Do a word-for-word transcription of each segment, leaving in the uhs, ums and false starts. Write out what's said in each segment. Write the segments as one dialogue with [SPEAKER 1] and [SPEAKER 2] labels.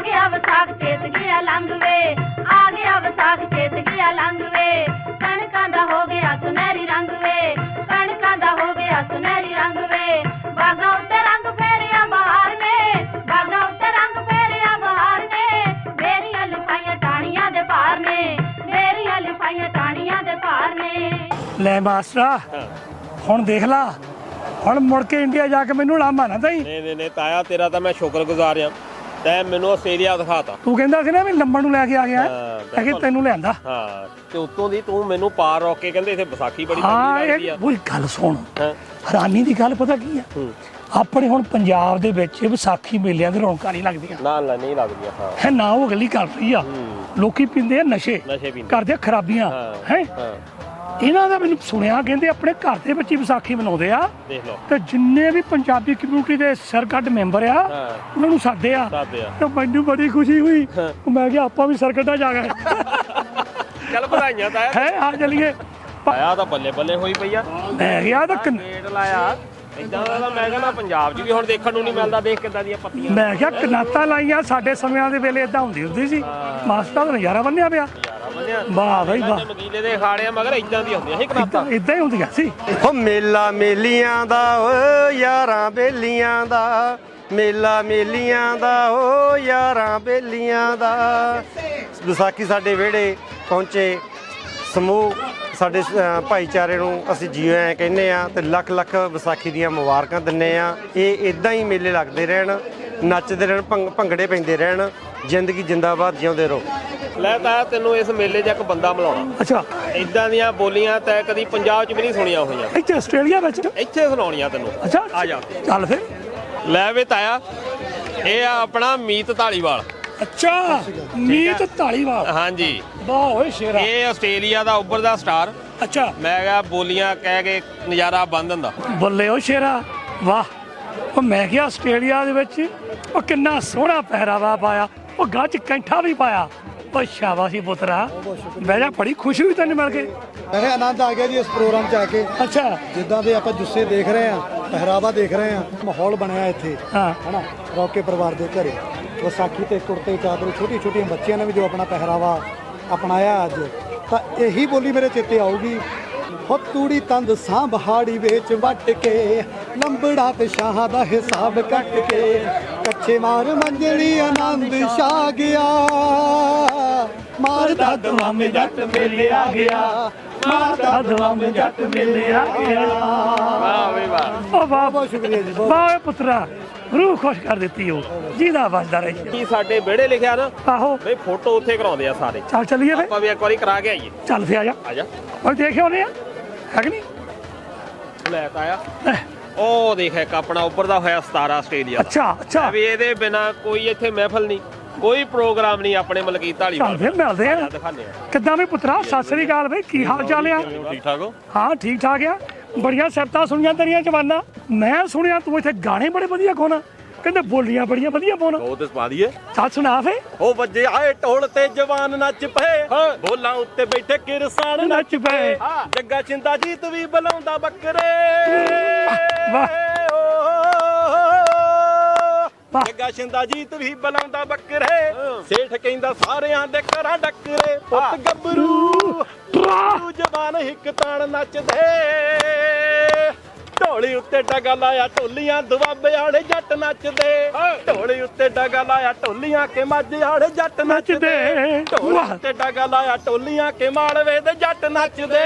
[SPEAKER 1] गया विसाख चेत गया लंघ वे, आ गया विसाख चेत गया लंघ वे, कणकां दा हो गया सुनहरी रंग वे, कणकां दा हो गया सुनहरी रंग वे, बागां उत्ते रंग फेरिया बहार ने, बागां उत्ते रंग फेरिया बहार ने, मेरियां लिफाइयां टाणियां दे पार ने, मेरियां लिफाइयां टाणियां दे पार ने।
[SPEAKER 2] ਲੈ ਮਾਸਟਰਾ ਹੁਣ ਦੇਖ ਲਾ, ਹੁਣ ਮੁੜ ਕੇ ਇੰਡੀਆ ਜਾ ਕੇ ਮੈਨੂੰ ਲਾਮਾ ਨਾ ਦਈ।
[SPEAKER 3] ਨਹੀਂ ਨਹੀਂ ਨਹੀਂ ਤਾਇਆ, ਤੇਰਾ ਤਾਂ ਮੈਂ ਸ਼ੁਕਰਗੁਜ਼ਾਰ ਆ, ਤੈਂ ਮੈਨੂੰ ਆਸਟ੍ਰੇਲੀਆ ਦਿਖਾਤਾ।
[SPEAKER 2] ਤੂੰ ਕਹਿੰਦਾ ਸੀ ਨਾ ਵੀ ਲੰਬਣ ਨੂੰ ਲੈ ਕੇ ਆ ਗਿਆ, ਹੈ ਕਿ ਤੈਨੂੰ ਲਿਆਂਦਾ।
[SPEAKER 3] ਹਾਂ, ਤੇ ਉੱਤੋਂ ਦੀ ਤੂੰ ਮੈਨੂੰ ਪਾਰ ਰੋਕ ਕੇ ਕਹਿੰਦੇ ਇੱਥੇ ਵਿਸਾਖੀ ਬੜੀ
[SPEAKER 2] ਹਾਂ
[SPEAKER 3] ਲੱਗਦੀ
[SPEAKER 2] ਇਹ
[SPEAKER 3] ਆ।
[SPEAKER 2] ਕੋਈ ਗੱਲ ਸੁਣ, ਹੈਰਾਨੀ ਦੀ ਗੱਲ ਪਤਾ ਕੀ ਆ, ਆਪਣੇ ਹੁਣ ਪੰਜਾਬ ਦੇ ਵਿੱਚ ਵਿਸਾਖੀ ਮੇਲਿਆਂ ਦੇ ਰੌਣਕਾਂ ਨਹੀਂ ਲੱਗਦੀਆਂ।
[SPEAKER 3] ਨਾ ਨਾ ਨਹੀਂ ਲੱਗਦੀਆਂ। ਹਾਂ
[SPEAKER 2] ਹੈ ਨਾ ਉਹ ਅਗਲੀ ਕਰ ਰਹੀ ਆ, ਲੋਕੀ ਪੀਂਦੇ ਆ ਨਸ਼ੇ,
[SPEAKER 3] ਨਸ਼ੇ ਪੀਂਦੇ,
[SPEAKER 2] ਕਰਦੇ ਆ ਖਰਾਬੀਆਂ। ਹੈ ਇਹਨਾਂ ਦਾ ਮੈਨੂੰ ਸੁਣਿਆ ਕਹਿੰਦੇ ਆਪਣੇ ਘਰ ਦੇ ਵਿੱਚ ਹੀ ਵਿਸਾਖੀ ਮਨਾਉਂਦੇ ਆ।
[SPEAKER 3] ਦੇਖ ਲਓ,
[SPEAKER 2] ਤੇ ਜਿੰਨੇ ਵੀ ਪੰਜਾਬੀ ਕਮਿਊਨਿਟੀ ਦੇ ਸਰਕੱਟ ਮੈਂਬਰ ਆ ਉਹਨਾਂ ਨੂੰ ਸਾਦੇ ਆ। ਤੇ ਮੈਨੂੰ ਬੜੀ ਖੁਸ਼ੀ ਹੋਈ, ਮੈਂ ਕਿਹਾ ਆਪਾਂ ਵੀ ਸਰਕੱਟਾਂ ਜਾ ਗਏ।
[SPEAKER 3] ਚੱਲ ਵਧਾਈਆਂ ਤਾਇਆ।
[SPEAKER 2] ਹੈ ਆ ਚਲੀਏ।
[SPEAKER 3] ਤਾਇਆ ਤਾਂ ਬੱਲੇ ਬੱਲੇ ਹੋਈ ਪਈ ਆ।
[SPEAKER 2] ਮੈਂ ਗਿਆ ਤਾਂ
[SPEAKER 3] ਗੇਟ ਲਾਇਆ ਇਦਾਂ ਦਾ, ਮੈਂ ਕਹਿੰਦਾ ਪੰਜਾਬ 'ਚ ਵੀ ਹੁਣ ਦੇਖਣ ਨੂੰ ਨਹੀਂ ਮਿਲਦਾ। ਦੇਖ ਕਿੱਦਾਂ ਦੀਆਂ ਪੱਤੀਆਂ,
[SPEAKER 2] ਮੈਂ ਕਿਹਾ ਕਨਾਤਾਂ ਲਾਈਆਂ, ਸਾਡੇ ਸਮਿਆਂ ਦੇ ਵੇਲੇ ਇਦਾਂ ਹੁੰਦੀ ਹੁੰਦੀ ਸੀ। ਮਾਸਟਰ ਦਾ ਨਜ਼ਾਰਾ ਬੰਨਿਆ ਪਿਆ। ਵਾਹ ਬਈ ਵਾਹ,
[SPEAKER 3] ਮਗੀਲੇ ਦੇ ਅਖਾੜਿਆਂ ਮਗਰ ਇਦਾਂ ਦੀਆਂ ਹੁੰਦੀਆਂ ਸੀ ਕਨਾਤਾਂ,
[SPEAKER 2] ਇਦਾਂ ਹੀ ਹੁੰਦੀਆਂ ਸੀ।
[SPEAKER 4] ਓ ਮੇਲਾ ਮੇਲੀਆਂ ਦਾ ਓ ਯਾਰਾਂ ਬੇਲੀਆਂ ਦਾ, ਮੇਲਾ ਮੇਲੀਆਂ ਦਾ ਓ ਯਾਰਾਂ ਬੇਲੀਆਂ ਦਾ। ਵਿਸਾਖੀ ਸਾਡੇ ਵਿਹੜੇ ਪਹੁੰਚੇ ਸਮੂਹ ਸਾਡੇ ਭਾਈਚਾਰੇ ਨੂੰ ਅਸੀਂ ਜੀਓ ਐ ਕਹਿੰਦੇ ਆ ਤੇ ਲੱਖ ਲੱਖ ਵਿਸਾਖੀ ਦੀਆਂ ਮੁਬਾਰਕਾਂ ਦਿੰਦੇ ਆ। ਇਹ ਇਦਾਂ ਹੀ ਮੇਲੇ ਲੱਗਦੇ ਰਹਿਣ, ਨੱਚਦੇ ਰਹਿਣ, ਭੰਗੜੇ ਪੈਂਦੇ ਰਹਿਣ, ਜ਼ਿੰਦਗੀ ਜਿੰਦਾਬਾਦ ਜਿਉਂਦੇ ਰਹੋ।
[SPEAKER 3] ਲੈ ਤਾਂ ਤੈਨੂੰ ਇਸ ਮੇਲੇ 'ਚ ਇੱਕ ਬੰਦਾ ਮਿਲਾਉਣਾ।
[SPEAKER 2] ਅੱਛਾ,
[SPEAKER 3] ਇਦਾਂ ਦੀਆਂ ਬੋਲੀਆਂ ਤੈਂ ਕਦੀ ਪੰਜਾਬ 'ਚ ਵੀ ਨਹੀਂ ਸੁਣੀਆਂ ਹੋਈਆਂ,
[SPEAKER 2] ਇੱਥੇ ਆਸਟ੍ਰੇਲੀਆ ਵਿੱਚ।
[SPEAKER 3] ਇੱਥੇ ਸੁਣਾਉਣੀਆਂ ਤੈਨੂੰ।
[SPEAKER 2] ਅੱਛਾ
[SPEAKER 3] ਆ ਜਾ,
[SPEAKER 2] ਚੱਲ ਫਿਰ।
[SPEAKER 3] ਲੈ ਵੇ ਤਾਇਆ, ਇਹ ਆ ਆਪਣਾ ਮੀਤ ਢਾਲੀਵਾਲ।
[SPEAKER 2] ਅੱਛਾ, ਮੀਤ ਢਾਲੀਵਾਲ।
[SPEAKER 3] ਹਾਂਜੀ,
[SPEAKER 2] ਵਾਹ ਓਏ ਸ਼ੇਰਾ।
[SPEAKER 3] ਇਹ ਆਸਟ੍ਰੇਲੀਆ ਦਾ ਉੱਭਰਦਾ ਸਟਾਰ।
[SPEAKER 2] ਅੱਛਾ,
[SPEAKER 3] ਮੈਂ ਕਿਹਾ ਬੋਲੀਆਂ ਕਹਿ ਕੇ ਨਜ਼ਾਰਾ ਬੰਦ ਹੁੰਦਾ।
[SPEAKER 2] ਬੱਲੇ ਓ ਸ਼ੇਰਾ, ਵਾਹ। ਉਹ ਮੈਂ ਕਿਹਾ ਆਸਟ੍ਰੇਲੀਆ ਦੇ ਵਿੱਚ ਉਹ ਕਿੰਨਾ ਸੋਹਣਾ ਪਹਿਰਾਵਾ ਪਾਇਆ, ਉਹ ਗੱਜ ਚ ਕੈਂਠਾ ਵੀ ਪਾਇਆ। ਉਹ ਸ਼ਾਬਾਸ਼ੀ ਪੁੱਤਰਾ, ਬਹਿ ਜਾ, ਬੜੀ ਖੁਸ਼ੀ ਹੋਈ ਤੈਨੂੰ ਮਿਲ ਕੇ।
[SPEAKER 5] ਮੇਰੇ ਆਨੰਦ ਆ ਗਿਆ ਜੀ ਇਸ ਪ੍ਰੋਗਰਾਮ 'ਚ ਆ ਕੇ।
[SPEAKER 2] ਅੱਛਾ,
[SPEAKER 5] ਜਿੱਦਾਂ ਦੇ ਆਪਾਂ ਜੁੱਸੇ ਦੇਖ ਰਹੇ ਆ, ਪਹਿਰਾਵਾ ਦੇਖ ਰਹੇ ਆ, ਮਾਹੌਲ ਬਣਿਆ ਇੱਥੇ
[SPEAKER 2] ਹਾਂ
[SPEAKER 5] ਹਨਾ। ਰੌਕੇ ਪਰਿਵਾਰ ਦੇ ਘਰੇ ਵਿਸਾਖੀ ਤੇ ਕੁੜਤੇ ਚਾਦਰੇ, ਛੋਟੀ ਛੋਟੀਆਂ ਬੱਚਿਆਂ ਨੇ ਵੀ ਜੋ ਆਪਣਾ ਪਹਿਰਾਵਾ ਅਪਣਾਇਆ ਅੱਜ, ਤਾਂ ਇਹੀ ਬੋਲੀ ਮੇਰੇ ਚੇਤੇ ਆਊਗੀ। ਹੋ ਤੂੜੀ ਤੰਦ ਸਾਂਭਹਾੜੀ ਵਿੱਚ ਵੱਟ ਕੇ, ਲੰਬੜਾ ਤੇ ਸ਼ਾਹਾਂ ਦਾ ਹਿਸਾਬ ਕੱਟ ਕੇ, ਕੱਚੇ ਮਾਰ ਮੰਜਲੀ ਆਨੰਦ ਛਾ ਗਿਆ, ਮਾਰਦਾ ਦਵਾਮੇ ਜੱਟ ਮੇਲੇ ਆ ਗਿਆ, ਮਾਰਦਾ ਦਵਾਮੇ ਜੱਟ ਮੇਲੇ ਆ ਗਿਆ।
[SPEAKER 3] ਵਾਹ ਵੇ ਵਾਹ,
[SPEAKER 2] ਉਹ ਵਾਹ,
[SPEAKER 5] ਬਹੁਤ ਸ਼ੁਕਰੀਆ ਜੀ, ਬਹੁਤ।
[SPEAKER 2] ਵਾਹ ਓਏ ਪੁੱਤਰਾ, ਰੂਹ ਖੁਸ਼ ਕਰ ਦਿੱਤੀ ਉਹ, ਜਿਹਦਾ ਵੱਜਦਾ ਰਹੇ।
[SPEAKER 3] ਕੀ ਸਾਡੇ ਵਿਹੜੇ ਲਿਖਿਆ ਨਾ,
[SPEAKER 2] ਆਹੋ,
[SPEAKER 3] ਬਈ ਫੋਟੋ ਉੱਥੇ ਕਰਾਉਂਦੇ ਆ ਸਾਰੇ।
[SPEAKER 2] ਚੱਲ ਚੱਲੀਏ ਫਿਰ।
[SPEAKER 3] ਆਪਾਂ ਵੀ ਇੱਕ ਵਾਰੀ ਕਰਾ ਕੇ ਆਈਏ।
[SPEAKER 2] ਚੱਲ ਫਿਰ ਆ ਜਾ,
[SPEAKER 3] ਆ ਜਾ।
[SPEAKER 2] ਉਹ ਦੇਖਿਓ ਨੇ ਹੈ ਕਿ ਨਹੀਂ।
[SPEAKER 3] ਲੈ ਤਾਇਆ, ਉਹ ਦੇਖ ਇੱਕ ਆਪਣਾ ਉੱਭਰਦਾ ਹੋਇਆ ਸਤਾਰਾ ਆਸਟ੍ਰੇਲੀਆ ਦਾ।
[SPEAKER 2] ਅੱਛਾ ਅੱਛਾ,
[SPEAKER 3] ਵੀ ਇਹਦੇ ਬਿਨਾ ਕੋਈ ਇੱਥੇ ਮਹਿਫਲ ਨਹੀਂ, ਕੋਈ ਪ੍ਰੋਗਰਾਮ ਨਹੀਂ ਆਪਣੇ ਮਲਕੀਤ ਢਾਲੀਵਾਲ।
[SPEAKER 2] ਚੱਲ ਫਿਰ ਮਿਲਦੇ ਆ।
[SPEAKER 3] ਦਿਖਾਉਂਦੇ ਆ।
[SPEAKER 2] ਕਿੱਦਾਂ ਵੀ ਪੁੱਤਰਾ, ਸਤਿ ਸ੍ਰੀ ਅਕਾਲ ਬਈ, ਕੀ ਹਾਲ ਚਾਲ ਆ?
[SPEAKER 3] ਠੀਕ ਠਾਕ ਹੋ?
[SPEAKER 2] ਹਾਂ ਠੀਕ ਠਾਕ ਆ। ਬੜੀਆਂ ਸਿਫਤਾਂ ਸੁਣੀਆਂ ਤੇਰੀਆਂ ਜਵਾਨਾਂ। ਮੈਂ ਸੁਣਿਆ ਤੂੰ ਇੱਥੇ ਗਾਣੇ ਬੜੇ ਵਧੀਆ ਗਾਉਣਾ, ਕਹਿੰਦੇ ਬੋਲੀਆਂ ਬੜੀਆਂ ਵਧੀਆ ਪਾਉਣਾ।
[SPEAKER 3] ਉਹ ਤੇ ਪਾ ਦਈਏ।
[SPEAKER 2] ਚੱਲ ਸੁਣਾ ਫੇ।
[SPEAKER 4] ਉਹ ਵੱਜੇ ਆਏ ਢੋਲ ਤੇ ਜਵਾਨ ਨੱਚ ਪਏ, ਬੋਲਾਂ ਉੱਤੇ ਬੈਠੇ ਕਿਰਸਾਨ
[SPEAKER 2] ਨੱਚ ਪਏ,
[SPEAKER 4] ਜੱਗਾ ਚਿੰਦਾ ਜੀਤ ਵੀ ਬੁਲਾਉਂਦਾ ਬੱਕਰੇ।
[SPEAKER 2] ਵਾਹ ਵਾਹ,
[SPEAKER 4] ਜੱਗਾ ਚਿੰਦਾ ਜੀਤ ਵੀ ਬੁਲਾਉਂਦਾ ਬੱਕਰੇ, ਸੇਠ ਕਹਿੰਦਾ ਸਾਰਿਆਂ ਦੇ ਘਰਾਂ ਡੱਕਰੇ। ਪੁੱਤ ਗੱਭਰੂ ਤੂੰ ਜਵਾਨ ਹਿੱਕ ਤਾਣ ਨੱਚਦੇ, ਢੋਲੀ ਉੱਤੇ ਡਗਾ ਲਾਇਆ ਢੋਲੀਆਂ ਦੁਆਬੇ ਵਾਲੇ ਜੱਟ ਨੱਚਦੇ, ਢੋਲੀ ਉੱਤੇ ਡਗਾ ਲਾਇਆ ਢੋਲੀਆਂ ਕੇ ਮਾਝੇ ਵਾਲੇ ਜੱਟ ਨੱਚਦੇ, ਢੋਲੀ ਉੱਤੇ ਡਗਾ ਲਾਇਆ ਢੋਲੀਆਂ ਕੇ ਮਾਲਵੇ ਦੇ ਜੱਟ ਨੱਚਦੇ।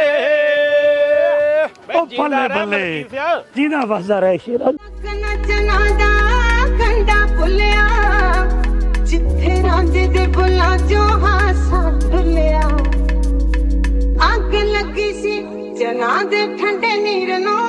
[SPEAKER 2] ਉਹ ਬੱਲੇ ਬੱਲੇ, ਜਿਹਦਾ ਵੱਜਦਾ ਰਹੇ ਸ਼ੇਰਾ।
[SPEAKER 1] ਨੱਚਣਾ ਦਾ ਕੰਡਾ ਭੁੱਲਿਆ, ਜਿੱਥੇ ਰਾਂਝੇ ਦੇ ਬੁੱਲਾਂ ਚੋਂ ਹਾਸਾ ਡੁੱਲਿਆ, ਅੱਗ ਲੱਗੀ ਸੀ ਜਨਾਂ ਦੇ ਠੰਡੇ ਨੀਰ ਨੂੰ,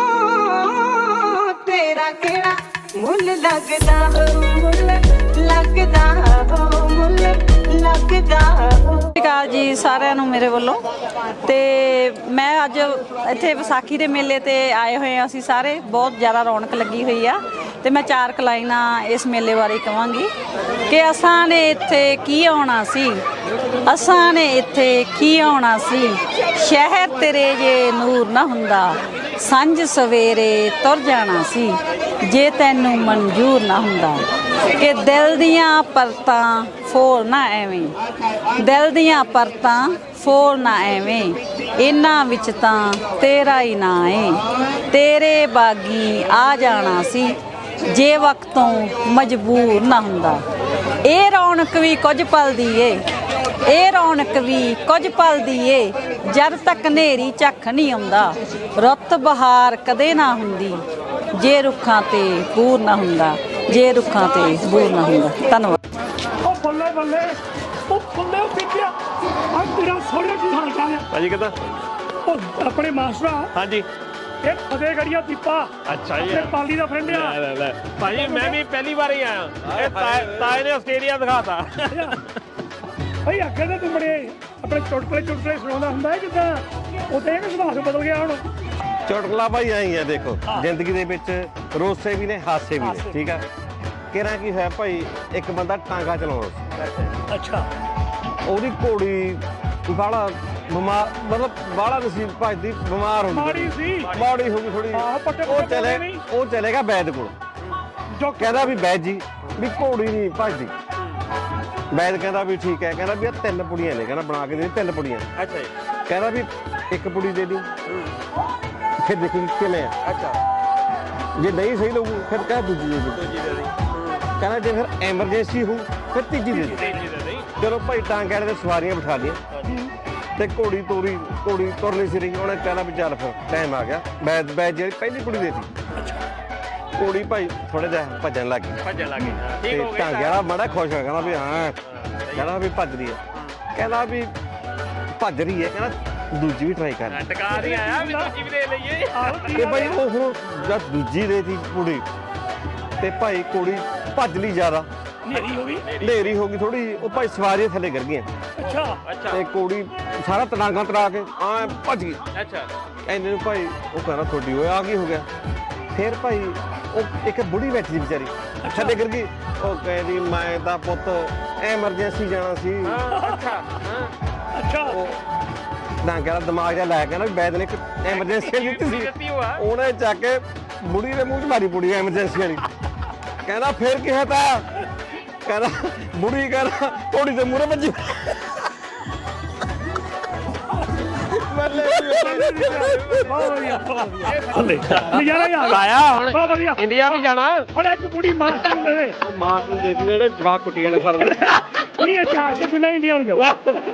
[SPEAKER 1] ਤੇਰਾ ਕਿਹੜਾ ਮੁੱਲ ਲੱਗਦਾ ਹੋ, ਮੁੱਲ ਲੱਗਦਾ ਹੋ, ਮੁੱਲ ਲੱਗਦਾ ਹੋ।
[SPEAKER 6] ਸਤਿ ਸ਼੍ਰੀ ਅਕਾਲ ਜੀ ਸਾਰਿਆਂ ਨੂੰ ਮੇਰੇ ਵੱਲੋਂ। ਤੇ ਮੈਂ ਅੱਜ ਇੱਥੇ ਵਿਸਾਖੀ ਦੇ ਮੇਲੇ ਤੇ ਆਏ ਹੋਏ ਹਾਂ ਅਸੀਂ ਸਾਰੇ, ਬਹੁਤ ਜ਼ਿਆਦਾ ਰੌਣਕ ਲੱਗੀ ਹੋਈ ਆ। ਤੇ ਮੈਂ ਚਾਰ ਕਲਾਈਨਾਂ ਇਸ ਮੇਲੇ ਬਾਰੇ ਕਹਾਂਗੀ ਕਿ ਅਸਾਂ ਨੇ ਇੱਥੇ ਕੀ ਆਉਣਾ ਸੀ, ਅਸਾਂ ਨੇ ਇੱਥੇ ਕੀ ਆਉਣਾ ਸੀ, ਸ਼ਹਿਰ ਤੇਰੇ ਜੇ ਨੂਰ ਨਾ ਹੁੰਦਾ, ਸਾਂਝ ਸਵੇਰੇ ਤੁਰ ਜਾਣਾ ਸੀ, ਜੇ ਤੈਨੂੰ ਮਨਜ਼ੂਰ ਨਾ ਹੁੰਦਾ। ਕਿ ਦਿਲ ਦੀਆਂ ਪਰਤਾਂ ਫੋਲ ਨਾ ਐਵੇਂ, ਦਿਲ ਦੀਆਂ ਪਰਤਾਂ ਫੋਲ ਨਾ ਐਵੇਂ, ਇਹਨਾਂ ਵਿੱਚ ਤਾਂ ਤੇਰਾ ਹੀ ਨਾਂ ਏ, ਤੇਰੇ ਬਾਗੀ ਆ ਜਾਣਾ ਸੀ ਜੇ ਵਕਤੋਂ ਮਜਬੂਰ ਨਾ ਹੁੰਦਾ। ਇਹ ਰੌਣਕ ਵੀ ਕੁਝ ਪਲ ਦੀ ਏ, ਇਹ ਰੌਣਕ ਵੀ ਕੁਝ ਪਲ ਦੀ ਏ, ਜਦ ਤੱਕ ਹਨੇਰੀ ਝੱਖ ਨਹੀਂ ਆਉਂਦਾ, ਰੁੱਤ ਬਹਾਰ ਕਦੇ ਨਾ ਹੁੰਦੀ ਜੇ ਰੁੱਖਾਂ ਤੇ ਬੂਰ ਨਾ ਹੁੰਦਾ, ਜੇ ਰੁੱਖਾਂ ਤੇ ਬੂਰ ਨਾ ਹੁੰਦਾ। ਧੰਨਵਾਦ।
[SPEAKER 2] ਉਹ ਬੱਲੇ ਬੱਲੇ, ਉਹ ਬੱਲੇ ਉਹ ਪਿੱਛੇ ਆ ਤੇਰਾ ਸੋਹਣਾ ਕੀ ਹਾਲ ਚਾਲ ਆ
[SPEAKER 3] ਭਾਜੀ ਕਿੱਦਾਂ?
[SPEAKER 2] ਉਹ ਆਪਣੇ ਮਾਸਟਰਾ
[SPEAKER 3] ਹਾਂਜੀ।
[SPEAKER 2] ਇਹ ਫਤਿਹਗੜ੍ਹੀਆ ਦੀਪਾ
[SPEAKER 3] ਅੱਛਾ ਜੀ।
[SPEAKER 2] ਆਪਣੇ ਪਾਲੀ ਦਾ ਫਰੈਂਡ ਆ।
[SPEAKER 3] ਲੈ ਲੈ ਲੈ ਭਾਜੀ ਮੈਂ ਵੀ ਪਹਿਲੀ ਵਾਰ ਹੀ ਆਇਆ, ਇਹ ਤਾਏ ਤਾਏ ਨੇ ਆਸਟ੍ਰੇਲੀਆ ਦਿਖਾਤਾ।
[SPEAKER 2] ਭਾਈ ਅੱਗੇ ਤੇ ਤੂੰ ਬੜੇ ਆਪਣੇ ਚੁਟਕਲੇ ਚੁਟਕਲੇ ਸੁਣਾਉਂਦਾ ਹੁੰਦਾ ਹੈ ਜਿੱਦਾਂ ਉਹ ਤੇ ਇਹ ਸੁਭਾਅ ਬਦਲ ਗਿਆ ਹੁਣ।
[SPEAKER 4] ਚੁਟਕਲਾ ਭਾਈ ਆਈ ਆ ਦੇਖੋ, ਜ਼ਿੰਦਗੀ ਦੇ ਵਿੱਚ ਰੋਸੇ ਵੀ ਨੇ ਹਾਸੇ ਵੀ ਨੇ, ਠੀਕ ਆ। ਕਿਹੜਾ ਕੀ ਹੋਇਆ ਭਾਈ, ਇੱਕ ਬੰਦਾ ਟਾਂਗਾ ਚਲਾਉਂਦਾ ਸੀ।
[SPEAKER 2] ਅੱਛਾ।
[SPEAKER 4] ਉਹਦੀ ਘੋੜੀ ਬਾਹਲਾ ਬਿਮਾਰ, ਮਤਲਬ ਬਾਹਲਾ ਨਹੀਂ ਸੀ ਭੱਜਦੀ, ਬਿਮਾਰ ਹੋ ਗਈ,
[SPEAKER 2] ਮਾੜੀ ਸੀ।
[SPEAKER 4] ਮਾੜੀ ਹੋ ਗਈ ਥੋੜੀ।
[SPEAKER 2] ਆਹੋ, ਪੱਟੇ
[SPEAKER 4] ਉਹ
[SPEAKER 2] ਪੁੱਟੇ
[SPEAKER 4] ਚਲੇ
[SPEAKER 2] ਨਹੀਂ।
[SPEAKER 4] ਉਹ ਚਲੇਗਾ ਵੈਦ ਕੋਲ,
[SPEAKER 2] ਜੋ
[SPEAKER 4] ਕਹਿੰਦਾ ਵੀ ਵੈਦ ਜੀ ਵੀ ਘੋੜੀ ਨਹੀਂ ਭੱਜਦੀ। ਵੈਦ ਕਹਿੰਦਾ ਵੀ ਠੀਕ ਹੈ, ਕਹਿੰਦਾ ਵੀ ਇਹ ਤਿੰਨ ਪੁੜੀਆਂ ਨੇ, ਕਹਿੰਦਾ ਬਣਾ ਕੇ ਦੇ ਤਿੰਨ ਪੁੜੀਆਂ।
[SPEAKER 3] ਅੱਛਾ ਜੀ।
[SPEAKER 4] ਕਹਿੰਦਾ ਵੀ ਇੱਕ ਪੁੜੀ ਦੇ ਦੀ, ਫਿਰ ਦੇਖੀ ਕਿਵੇਂ ਆ।
[SPEAKER 3] ਅੱਛਾ।
[SPEAKER 4] ਜੇ ਨਹੀਂ ਸਹੀ ਲੱਗੂ ਫਿਰ ਕਹਿ ਦੂਜੀ ਦੇ ਦੀ।
[SPEAKER 3] ਦੂਜੀ ਦੇ ਦੀ।
[SPEAKER 4] ਕਹਿੰਦਾ ਜੇ ਫਿਰ ਐਮਰਜੈਂਸੀ ਹੋ ਫਿਰ ਤੀਜੀ ਦੇ ਦੀ।
[SPEAKER 3] ਤੀਜੀ ਦੇ ਦੀ।
[SPEAKER 4] ਚਲੋ ਭਾਈ ਟਾਂਗੇ ਵਾਲੇ ਦੇ ਸਵਾਰੀਆਂ ਬਿਠਾ ਲਈਆਂ ਤੇ ਘੋੜੀ ਤੋਰੀ, ਘੋੜੀ ਤੁਰਨੀ ਸੀ ਰਹੀ। ਉਹਨੇ ਕਹਿਣਾ ਵੀ ਚੱਲ ਫਿਰ ਟਾਈਮ ਆ ਗਿਆ। ਬੈਦ ਬੈਦ ਜਿਹੜੀ ਪਹਿਲੀ ਕੁੜੀ ਦੇਤੀ, ਘੋੜੀ ਭਾਈ ਥੋੜਾ ਜਿਹਾ ਭੱਜਣ ਲੱਗ ਗਈ।
[SPEAKER 3] ਭੱਜਣ ਲੱਗ ਗਈ।
[SPEAKER 4] ਤੇ
[SPEAKER 3] ਠੀਕ ਹੋ ਗਿਆ।
[SPEAKER 4] ਟਾਂਗੇ ਵਾਲਾ ਮਾੜਾ ਖੁਸ਼ ਹੋ ਕਹਿੰਦਾ ਵੀ ਹਾਂ, ਕਹਿੰਦਾ ਵੀ ਭੱਜ ਰਹੀ ਹੈ, ਕਹਿੰਦਾ ਵੀ ਭੱਜ ਰਹੀ ਹੈ, ਕਹਿੰਦਾ ਦੂਜੀ ਵੀ ਟਰਾਈ ਕਰ।
[SPEAKER 3] ਟਕਾ ਨਹੀਂ ਆਇਆ ਵੀ ਦੂਜੀ ਵੀ ਦੇ ਲਈਏ।
[SPEAKER 4] ਤੇ ਭਾਈ ਉਹ ਹੁਣ ਜਦ ਦੂਜੀ ਦੇਤੀ ਕੁੜੀ ਤੇ ਭਾਈ ਕੁੜੀ ਭੱਜ ਲਈ ਜ਼ਿਆਦਾ,
[SPEAKER 2] ਨੇਰੀ ਹੋ ਗਈ।
[SPEAKER 4] ਹਨੇਰੀ ਹੋ ਗਈ ਥੋੜੀ, ਉਹ ਭਾਈ ਸਵਾਰੀਆਂ ਥੱਲੇ ਗਿਰ ਗਈਆਂ
[SPEAKER 2] ਅੱਛਾ।
[SPEAKER 3] ਅੱਛਾ।
[SPEAKER 4] ਤੇ ਕੁੜੀ ਸਾਰਾ ਤੜਾਂਗਾ ਤੜਾ ਕੇ ਆ ਭੱਜ ਗਈ।
[SPEAKER 3] ਅੱਛਾ।
[SPEAKER 4] ਐਨੇ ਨੂੰ ਭਾਈ ਉਹ ਕਹਿੰਦਾ ਤੁਹਾਡੀ ਓਏ ਆ ਕੀ ਹੋ ਗਿਆ। ਫਿਰ ਭਾਈ ਉਹ ਇੱਕ ਬੁੜੀ ਬੈਠੀ ਸੀ ਵਿਚਾਰੀ, ਥੱਲੇ ਗਿਰ ਗਈ। ਉਹ ਕਹਿੰਦੀ ਮੈਂ ਤਾਂ ਪੁੱਤ ਐਮਰਜੈਂਸੀ ਜਾਣਾ ਸੀ।
[SPEAKER 3] ਅੱਛਾ।
[SPEAKER 2] ਅੱਛਾ।
[SPEAKER 4] ਉਹ ਡਾਂਗੇ ਵਾਲਾ ਦਿਮਾਗ ਜਿਹਾ ਲੈ ਕੇ ਨਾ ਵੀ ਵੈਦ ਨੇ ਇੱਕ ਐਮਰਜੈਂਸੀ ਦਿੱਤੀ ਸੀ,
[SPEAKER 3] ਦਿੱਤੀ ਹੋਆ।
[SPEAKER 4] ਉਹਨੇ ਚੱਕ ਕੇ ਬੁੜੀ ਦੇ ਮੂੰਹ 'ਚ ਮਾਰੀ ਬੁੜੀ ਐਮਰਜੈਂਸੀ ਵਾਲੀ। ਕਹਿੰਦਾ ਫਿਰ ਕੀ ਹੋਤਾ, ਕਹਿੰਦਾ ਬੁੜੀ ਕਹਿੰਦਾ ਘੋੜੀ ਦੇ ਮੂਹਰੇ ਵੱਜੀ।
[SPEAKER 2] ਬਹੁਤ ਵਧੀਆ, ਬਹੁਤ ਵਧੀਆ। ਨਜ਼ਾਰਾ ਹੀ ਆ ਗਿਆ।
[SPEAKER 3] ਆਇਆ ਹੁਣ
[SPEAKER 2] ਬਹੁਤ ਵਧੀਆ।
[SPEAKER 3] ਇੰਡੀਆ ਵੀ ਜਾਣਾ।
[SPEAKER 2] ਹੁਣ ਇੱਕ ਕੁੜੀ ਮਾਸਟਰ ਨੂੰ ਦੇ ਦੇ।
[SPEAKER 4] ਮਾਂ ਨੂੰ ਦੇ ਜਿਹੜੇ ਜਵਾਕ ਕੁੱਟੀ ਵਾਲੇ ਫਰਮ
[SPEAKER 2] ਨਹੀਂ ਅੱਛਾ ਤੇ ਬਿਨਾਂ ਇੰਡੀਆ ਨੂੰ ਜਾਓ।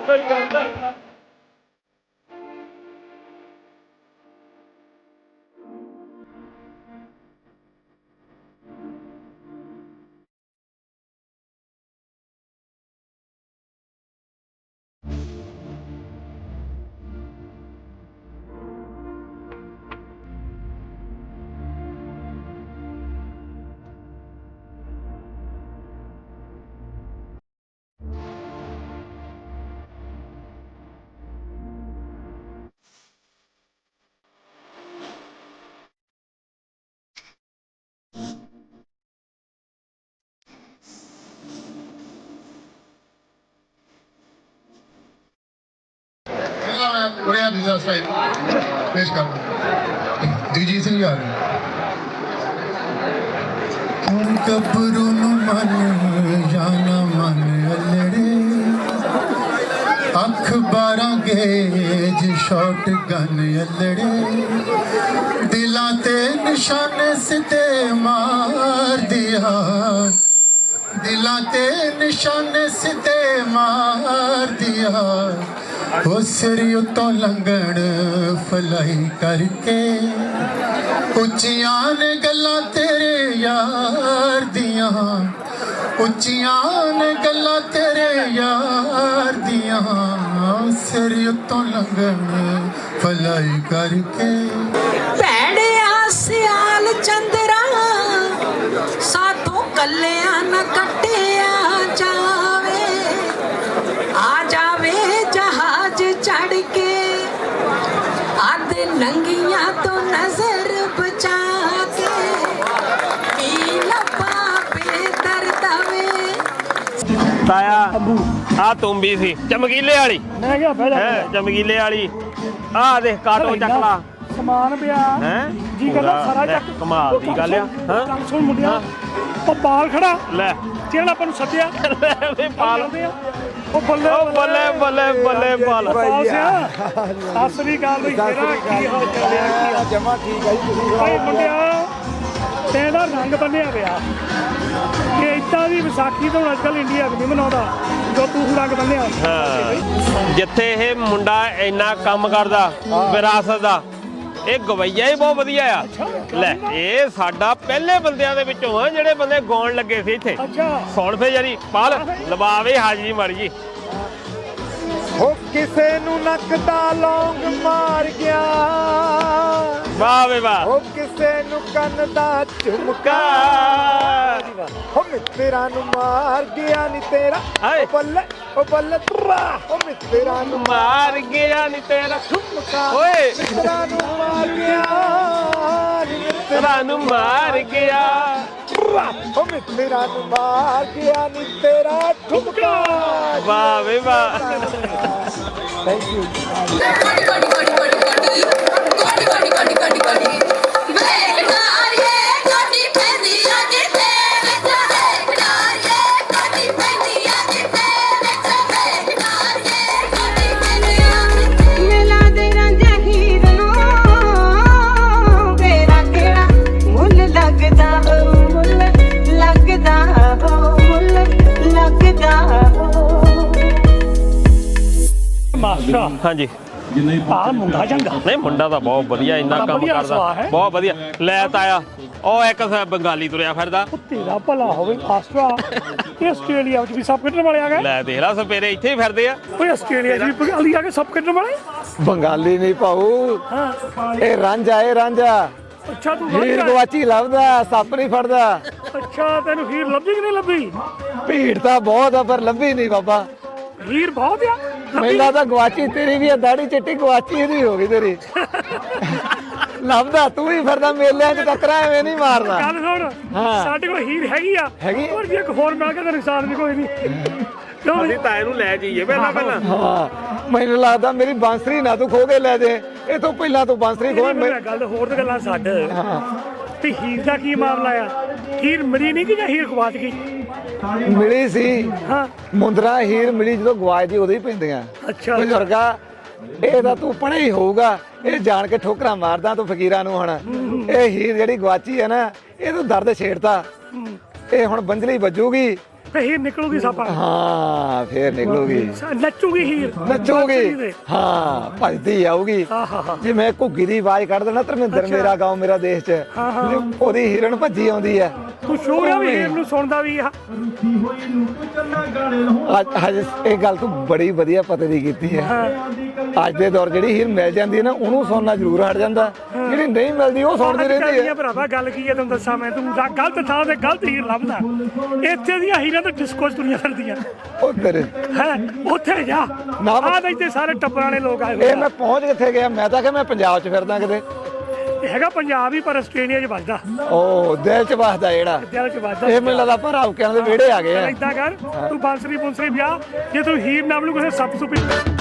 [SPEAKER 7] ਉਰੇ ਦੂਜਾ ਸਾਈਡ ਪੇਸ਼ ਕਰ ਜਗਜੀਤ ਸਿੰਘ ਯਾਰ। ਹੁਣ ਗੱਭਰੂ ਨੂੰ ਮਨ ਜਾਣਾ ਮਨ ਅਲੜੇ, ਅੱਖ ਬਾਰਾਂ ਗੇਜ ਸ਼ਾਟ ਗਨ ਅਲੜੇ, ਦਿਲਾਂ ਤੇ ਨਿਸ਼ਾਨੇ ਸਿੱਧੇ ਮਾਰ ਦਿਆ, ਦਿਲਾਂ ਤੇ ਨਿਸ਼ਾਨੇ ਸਿੱਧੇ ਮਾਰ ਦਿਆ। ਉਹ ਸਿਰ ਉੱਤੋਂ ਲੰਘਣ ਫਲਾਈ ਕਰਕੇ, ਉੱਚੀਆਂ ਨੇ ਗੱਲਾਂ ਤੇਰੇ ਯਾਰ ਦੀਆਂ, ਉੱਚੀਆਂ ਨੇ ਗੱਲਾਂ ਤੇਰੇ ਯਾਰ ਦੀਆਂ। ਸਿਰ ਉੱਤੋਂ ਲੰਘਣ ਫਲਾਈ ਕਰਕੇ।
[SPEAKER 8] ਭੈੜਿਆ ਸਿਆਲ ਚੰਦਰਾ ਸਾਥੋਂ ਕੱਲਿਆਂ ਨਾ ਕੱਟਿਆ ਜਾਵੇ, ਆ ਜਾਵੇ ਜਹਾਜ਼ ਚੜ ਕੇ, ਅੱਧ ਨੰਗੀਆਂ ਤੋਂ ਨਜ਼ਰ ਬਚਾ ਕੇ, ਕੀ ਲੱਭਾ ਬੇਦਰਦ ਵੇ।
[SPEAKER 3] ਤਾਇਆ ਆ ਤੁੰਬੀ ਸੀ ਚਮਕੀਲੇ ਵਾਲੀ।
[SPEAKER 2] ਮੈਂ ਕਿਹਾ ਬਹਿ ਜਾ।
[SPEAKER 3] ਹੈ ਚਮਕੀਲੇ ਵਾਲੀ। ਆ ਦੇਖ ਕਾਟੋ ਚੱਕ ਲਾ
[SPEAKER 2] ਸਮਾਨ ਪਿਆ।
[SPEAKER 3] ਹੈ
[SPEAKER 2] ਜੀ ਕਰਦਾ
[SPEAKER 3] ਪੂਰਾ
[SPEAKER 2] ਸਾਰਾ
[SPEAKER 3] ਲੈ,
[SPEAKER 2] ਚੱਕ
[SPEAKER 3] ਕਮਾਲ ਦੀ ਗੱਲ ਆ ਹਾਂ
[SPEAKER 2] ਕੰਮ ਸੁਣ ਮੁੰਡਿਆ ਉਹ ਬਾਲ ਖੜਾ
[SPEAKER 3] ਲੈ
[SPEAKER 2] ਜਿਹੜਾ ਆਪਾਂ ਨੂੰ ਸੱਦਿਆ
[SPEAKER 3] ਲੈ ਵੇ ਪਾਲ
[SPEAKER 2] ਜਾਂਦੇ ਆ ਉਹ ਬੱਲੇ
[SPEAKER 3] ਉਹ ਬੱਲੇ ਬੱਲੇ ਬੱਲੇ ਪਾਲ
[SPEAKER 2] ਬਾਲ ਸਿਆ ਸਤਿ ਸ੍ਰੀ ਅਕਾਲ ਬਈ ਤੇਰਾ ਕੀ ਹਾਲ ਚਾਲ ਹੈ ਕੀ ਹਾਲ
[SPEAKER 5] ਜਮਾ ਠੀਕ ਹੈ ਜੀ ਤੁਸੀਂ
[SPEAKER 2] ਭਾਈ ਮੁੰਡਿਆ ਤੇਰਾ ਰੰਗ ਬੰਨਿਆ ਪਿਆ ਕਿ ਇੱਦਾਂ ਦੀ ਵਿਸਾਖੀ ਤਾਂ ਅੱਜ ਕੱਲ੍ਹ ਇੰਡੀਆ ਵੀ ਨਹੀਂ ਮਨਾਉਂਦਾ ਜੋ ਤੂੰ ਰੰਗ ਬੰਨਿਆ
[SPEAKER 3] ਹਾਂ ਜਿੱਥੇ ਇਹ ਮੁੰਡਾ ਇੰਨਾ ਕੰਮ ਕਰਦਾ ਵਿਰਾਸਤ ਦਾ ਇਹ ਗਵਈਆ ਹੀ ਬਹੁਤ ਵਧੀਆ ਆ ਲੈ ਇਹ ਸਾਡਾ ਪਹਿਲੇ ਬੰਦਿਆਂ ਦੇ ਵਿੱਚੋਂ ਆ ਜਿਹੜੇ ਬੰਦੇ ਗਾਉਣ ਲੱਗੇ ਸੀ ਇੱਥੇ
[SPEAKER 2] ਅੱਛਾ
[SPEAKER 3] ਸੁਣ ਫੇ ਯਾਰੀ ਪਾਲ ਲਵਾਵੇ ਹਾਜੀ ਮਰ ਜੀ
[SPEAKER 5] ਹੋ ਕਿਸੇ ਨੂੰ ਨੱਕ ਦਾ ਲੌਂਗ ਮਾਰ ਗਿਆ
[SPEAKER 3] ਵਾਹ ਵੇ ਵਾਹ
[SPEAKER 5] ਹੋ ਕਿਸੇ ਨੂੰ ਕੰਨ ਦਾ ਝੁਮਕਾ ਹੋ ਮਿੱਤਰਾਂ ਨੂੰ ਮਾਰ ਗਿਆ ਨੀ ਤੇਰਾ
[SPEAKER 3] ਹਾਏ।
[SPEAKER 5] ਉਹ ਬੱਲੇ ਉਹ ਬੱਲੇ ਤਰਾ ਹੋ ਮਿੱਤਰਾਂ ਨੂੰ
[SPEAKER 3] ਮਾਰ ਗਿਆ ਨੀ ਤੇਰਾ
[SPEAKER 5] ਝੁਮਕਾ
[SPEAKER 3] ਓਏ
[SPEAKER 5] ਮਿੱਤਰਾਂ ਨੂੰ ਮਾਰ ਗਿਆ ਨੀ ਮਿੱਤਰਾਂ
[SPEAKER 3] ਤੇਰਾ ਨੂੰ ਮਾਰ ਗਿਆ
[SPEAKER 5] ਤਰਾ ਹੋ ਮਿੱਤਰਾਂ ਨੂੰ ਮਾਰ ਗਿਆ ਨੀ ਤੇਰਾ ਝੁਮਕਾ
[SPEAKER 3] ਵਾਹ ਵੇ ਵਾਹ
[SPEAKER 5] ਥੈਂਕ ਯੂ
[SPEAKER 2] ਮਾਸਟਰ
[SPEAKER 3] ਹਾਂਜੀ
[SPEAKER 2] ਆ ਮੁੰਡਾ ਚੰਗਾ
[SPEAKER 3] ਨਹੀਂ ਮੁੰਡਾ ਤਾਂ ਬਹੁਤ ਵਧੀਆ ਇੰਨਾ
[SPEAKER 2] ਬੜਾ
[SPEAKER 3] ਕੰਮ
[SPEAKER 2] ਵਧੀਆ
[SPEAKER 3] ਕਰਦਾ
[SPEAKER 2] ਸੁਭਾਅ ਹੈ।
[SPEAKER 3] ਬਹੁਤ ਵਧੀਆ ਲੈ ਤਾਇਆ ਉਹ ਇੱਕ ਸ- ਬੰਗਾਲੀ ਤੁਰਿਆ ਫਿਰਦਾ
[SPEAKER 2] ਤੇਰਾ ਭਲਾ ਹੋਵੇ ਮਾਸਟਰ ਇਹ ਆਸਟ੍ਰੇਲੀਆ ਵਿੱਚ ਵੀ ਸਭ ਕੱਢਣ ਵਾਲੇ ਆ ਗਏ
[SPEAKER 3] ਲੈ ਦੇਖ ਲਾ ਸਪੇਰੇ ਇੱਥੇ ਹੀ ਫਿਰਦੇ ਆ
[SPEAKER 2] ਓਏ ਆਸਟ੍ਰੇਲੀਆ 'ਚ ਵੀ ਬੰਗਾਲੀ ਆ ਕੇ ਸਭ ਕੱਢਣ ਵਾਲੇ
[SPEAKER 5] ਬੰਗਾਲੀ ਨਹੀਂ ਭਾਊ
[SPEAKER 2] ਹਾਂ
[SPEAKER 5] ਇਹ ਰਾਂਝਾ ਇਹ ਰਾਂਝਾ
[SPEAKER 2] ਅੱਛਾ ਤੂੰ
[SPEAKER 5] ਹੀਰ
[SPEAKER 2] ਰਾਂਝਾ ਹੈ।
[SPEAKER 5] ਗਵਾਚੀ ਲੱਭਦਾ ਸੱਪ ਨਹੀਂ ਫੜਦਾ
[SPEAKER 2] ਅੱਛਾ ਤੈਨੂੰ ਹੀਰ ਲੱਭੀ ਕਿ ਨਹੀਂ ਲੱਭੀ
[SPEAKER 5] ਭੀੜ ਤਾਂ ਬਹੁਤ ਆ ਪਰ ਲੱਭੀ ਨਹੀਂ ਬਾਬਾ
[SPEAKER 2] ਹੀਰ ਬਹੁਤ ਆ ਲੱਭੀ?
[SPEAKER 5] ਮੈਨੂੰ ਤਾਂ ਗਵਾਚੀ ਤੇਰੀ ਵੀ ਆ ਦਾੜੀ ਚਿੱਟੀ ਗਵਾਚੀ ਇਹਦੀ ਹੋ ਗਈ ਤੇਰੀ ਲੱਭਦਾ ਤੂੰ ਵੀ ਫਿਰਦਾ ਮੇਲਿਆਂ 'ਚ ਟੱਕਰਾਂ ਐਵੇਂ ਨਹੀਂ ਮਾਰਦਾ
[SPEAKER 2] ਗੱਲ ਸੁਣ
[SPEAKER 5] ਹਾਂ।
[SPEAKER 2] ਸਾਡੇ ਕੋਲ ਹੀਰ ਹੈਗੀ ਆ
[SPEAKER 5] ਹੈਗੀ?
[SPEAKER 2] ਹੋਰ ਵੀ ਇੱਕ ਹੋਰ ਮਿਲ ਕੇ ਤਾਂ ਨੁਕਸਾਨ ਵੀ ਕੋਈ ਨਹੀਂ ਕਿਉਂ ਬਈ?
[SPEAKER 3] ਅਸੀਂ ਤਾਏ ਨੂੰ ਲੈ ਜਾਈਏ ਪਹਿਲਾਂ ਪਹਿਲਾਂ
[SPEAKER 5] ਹਾਂ ਮੈਨੂੰ ਲੱਗਦਾ ਮੇਰੀ ਬਾਂਸਰੀ ਨਾ ਤੂੰ ਖੋ ਕੇ ਲੈ ਦੇ ਇਹ ਤੋਂ ਪਹਿਲਾਂ ਤੂੰ ਬਾਂਸਰੀ ਖੋ
[SPEAKER 2] ਇਹ ਮੇਰੀ ਗੱਲ ਹੋਰ ਤਾਂ ਗੱਲਾਂ ਛੱਡ ਤੇ ਹੀਰ ਦਾ ਕੀ ਮਾਮਲਾ ਆ ਹੀਰ ਮਿਲੀ ਨਹੀਂ ਕਿ ਜਾਂ ਹੀਰ ਗਵਾਚ ਗਈ
[SPEAKER 5] ਮਿਲੀ ਸੀ
[SPEAKER 2] ਹਾਂ
[SPEAKER 5] ਮੁੰਦਰਾ ਹੀਰ ਮਿਲੀ ਜਦੋਂ ਗਵਾਚ ਦੀ ਉਦੋਂ ਹੀ ਪੈਂਦੀਆਂ
[SPEAKER 2] ਅੱਛਾ
[SPEAKER 5] ਬਜ਼ੁਰਗਾ ਇਹ ਤਾਂ ਤੂੰ ਪੜ੍ਹਿਆ ਹੀ ਹੋਊਗਾ ਇਹ ਜਾਣ ਕੇ ਠੋਕਰਾਂ ਮਾਰਦਾ ਤੂੰ ਫਕੀਰਾਂ ਨੂੰ ਹੁਣ ਇਹ ਹੀਰ ਜਿਹੜੀ ਗਵਾਚੀ ਹੈ ਨਾ ਇਹ ਤੂੰ ਦਰਦ ਛੇੜਤਾ ਇਹ ਹੁਣ ਬੰਜਲੀ ਵੱਜੂਗੀ
[SPEAKER 2] ਤੇ ਹੀਰ ਨਿਕਲੂਗੀ ਸਾਪਾ
[SPEAKER 5] ਹਾਂ ਫੇਰ ਨਿਕਲੂਗੀ
[SPEAKER 2] ਨੱਚੂਗੀ ਹੀਰ
[SPEAKER 5] ਨੱਚੂਗੀ ਹਾਂ ਭੱਜਦੀ ਆਊਗੀ
[SPEAKER 2] ਆਹਾ
[SPEAKER 5] ਜੇ ਮੈਂ ਘੁੱਗੀ ਦੀ ਆਵਾਜ਼ ਕੱਢ ਦੇਣਾ ਧਰਮਿੰਦਰ ਮੇਰਾ ਗਾਉਂ ਮੇਰਾ ਦੇਸ਼ ਚ
[SPEAKER 2] ਹਾਂ, ਹਾਂ।
[SPEAKER 5] ਤੇ ਉਹਦੀ ਹਿਰਨ ਭੱਜੀ ਆਉਂਦੀ ਹੈ
[SPEAKER 2] ਤੂੰ ਸ਼ੋਰ ਆ ਵੀ ਹੀਰ ਨੂੰ ਸੁਣਦਾ ਵੀ ਆ
[SPEAKER 5] ਅੱਜ ਅੱਜ ਇਹ ਗੱਲ ਤੂੰ ਬੜੀ ਵਧੀਆ ਪਤੇ ਦੀ ਕੀਤੀ ਹੈ ਅੱਜ ਦੇ ਦੌਰ ਜਿਹੜੀ ਹੀਰ ਮਿਲ ਜਾਂਦੀ ਹੈ ਨਾ ਉਹਨੂੰ ਸੁਣਨਾ ਜ਼ਰੂਰ ਹਟ ਜਾਂਦਾ ਜਿਹੜੀ ਨਹੀਂ ਮਿਲਦੀ ਉਹ ਸੁਣਦੀ ਰਹਿੰਦੀ ਹੈ
[SPEAKER 2] ਭਰਾਵਾ ਗੱਲ ਕੀ ਹੈ ਤੈਨੂੰ ਦੱਸਾਂ ਮੈਂ ਤੂੰ ਜਾ- ਗਲਤ ਥਾਂ ਤੇ ਗਲਤ ਹੀਰ ਲੱਭਦਾ ਇੱਥੇ ਦੀਆਂ ਹੀਰਾਂ ਤਾਂ ਡਿਸਕੋ 'ਚ ਤੁਰੀਆਂ ਫਿਰਦੀਆਂ
[SPEAKER 5] ਉਹ ਤੇਰੇ
[SPEAKER 2] ਹੈ ਉੱਥੇ ਜਾ
[SPEAKER 5] ਨਾ ਬਸ-
[SPEAKER 2] ਆਹ ਤਾਂ ਇੱਥੇ ਸਾਰੇ ਟੱਬਰਾਂ ਵਾਲੇ ਲੋਕ ਆਏ ਹੋਏ
[SPEAKER 5] ਇਹ
[SPEAKER 2] ਆ।
[SPEAKER 5] ਮੈਂ ਪਹੁੰਚ ਕਿੱਥੇ ਗਿਆ ਮੈਂ ਤਾਂ ਕਿ ਮੈਂ ਪੰਜਾਬ 'ਚ ਫਿਰਦਾ ਕਿਤੇ
[SPEAKER 2] ਇਹ ਹੈਗਾ ਪੰਜਾਬ ਹੀ ਪਰ ਆਸਟ੍ਰੇਲੀਆ 'ਚ ਵੱਜਦਾ
[SPEAKER 5] ਉਹ ਦਿਲ 'ਚ ਵਸਦਾ ਜਿਹੜਾ
[SPEAKER 2] ਦਿਲ 'ਚ ਵੱਜਦਾ
[SPEAKER 5] ਇਹ ਮੈਨੂੰ ਲੱਗਦਾ ਪਰ ਆਉਕਿਆਂ ਦੇ ਵਿਹੜੇ ਆ ਗਏ ਆ
[SPEAKER 2] ਏਦਾਂ ਕਰ ਤੂੰ ਬਾਂਸਰੀ ਬੁੰਸਰੀ ਵਿਆਹ ਜੇ ਤੂੰ ਹੀਰ ਨਾਮ ਨੂੰ ਕਿਸੇ ਸੱਪ ਸੁਪੀ